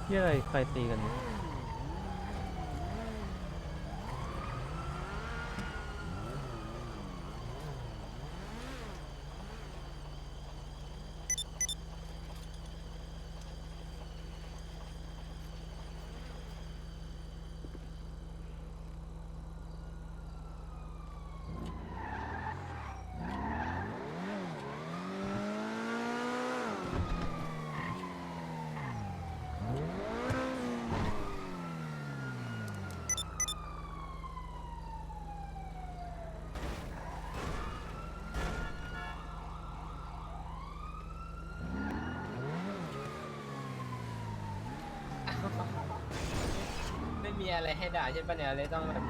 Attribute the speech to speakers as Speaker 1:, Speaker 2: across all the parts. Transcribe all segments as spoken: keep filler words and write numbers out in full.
Speaker 1: ที่อะไรใครตีกันเนี่ย
Speaker 2: ไม่มีอะไรให้ด่าใช่ปะเนี่ยเลยต้องแบบ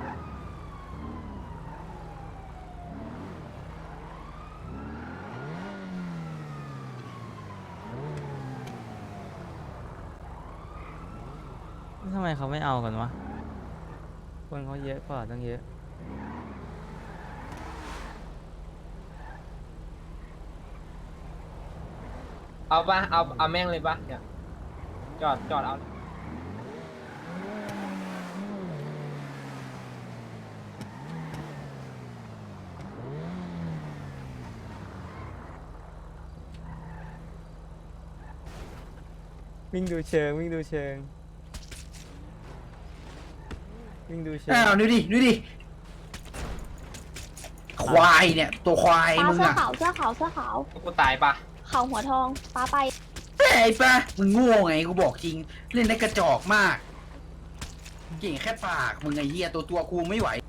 Speaker 1: ทำไมเขาไม่เอากันวะคนเขาเยอะกว่าตั้งเยอะ
Speaker 2: เอาปะเอาเอาแม่งเลยปะเนี่ยจอดจอดเอา
Speaker 1: วิ่งดูเชิงวิ่งดูเชิงวิ่งดูเชิง
Speaker 3: อ้าวดูดิดูดิควายเนี่ยตัวควาย
Speaker 4: ปลา
Speaker 3: มึง
Speaker 4: เสื้อ
Speaker 3: อะ
Speaker 4: ขาวเสื้อขาวเสื้อขาว
Speaker 2: กูตายปะ
Speaker 4: เขาหัวทองปลาไป
Speaker 3: ไอ้ปะมึงโง่ไงกูบอกจริงเล่นได้กระจอกมากเก่งแค่ปากมึงไอ้เหี้ยตัวตัวกูไม่ไหว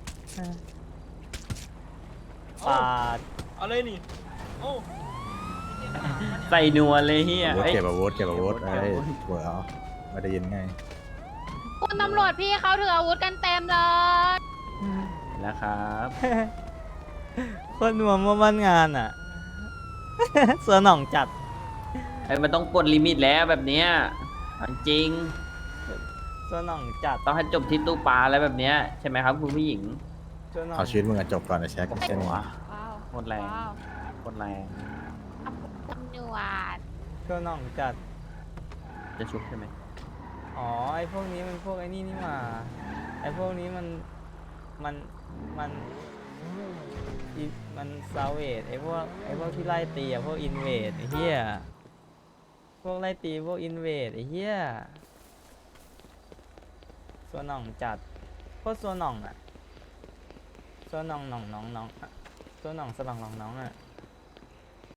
Speaker 1: ปาด
Speaker 2: เอาเลยนี่โอ้
Speaker 5: ใส่นัวเลยเฮีย
Speaker 6: อาวุธ
Speaker 5: เอ้ย
Speaker 6: เก็บอาวุธเก็บอาวุธ
Speaker 5: เก็
Speaker 6: ไอ้
Speaker 5: บอาวุธ
Speaker 6: หัวเอาไม่ได้ยินไง
Speaker 4: คุณตำรวจพี่เขาถืออาวุธกันเต็มเลย
Speaker 5: แล้วครับ
Speaker 1: คนนัวมั่วบ้านงานอ่ะ เสือหน่องจัด
Speaker 5: ไอ้ยมันต้องปลดลิมิตแล้วแบบเนี้ยเอาจริง
Speaker 1: เสือหน่องจัด
Speaker 5: ต้องให้จบที่ตู้ปลาอะไรแบบเนี้ยใช่ไหมครับคุณผู้หญิง
Speaker 1: เสือหน่อง
Speaker 6: เอาชีวิตมึงอะจบก่อนนะแช็คเส้นหัว
Speaker 5: ว้าโคตรแรงโคตรแรง
Speaker 4: ตำรวจ
Speaker 1: เสือหน่องจัด
Speaker 5: จะชุบใช่ไหม
Speaker 1: อ๋อไอพวกนี้มันพวกไอ้นี่นี่หว่าไอพวกนี้มันมันมันอิมันซาเวดไอพวกไอพวกที่ไล่ตีอะพวกอินเวดไอเหี้ยพวกไล่ตีพวกอินเวดไอเหี้ยส่วนหน่องจัดโคตรส่วนหน่องอะส่วนหน่องหน่องน้องน้องอะส่วนหน่องสลังน้องน้องอะ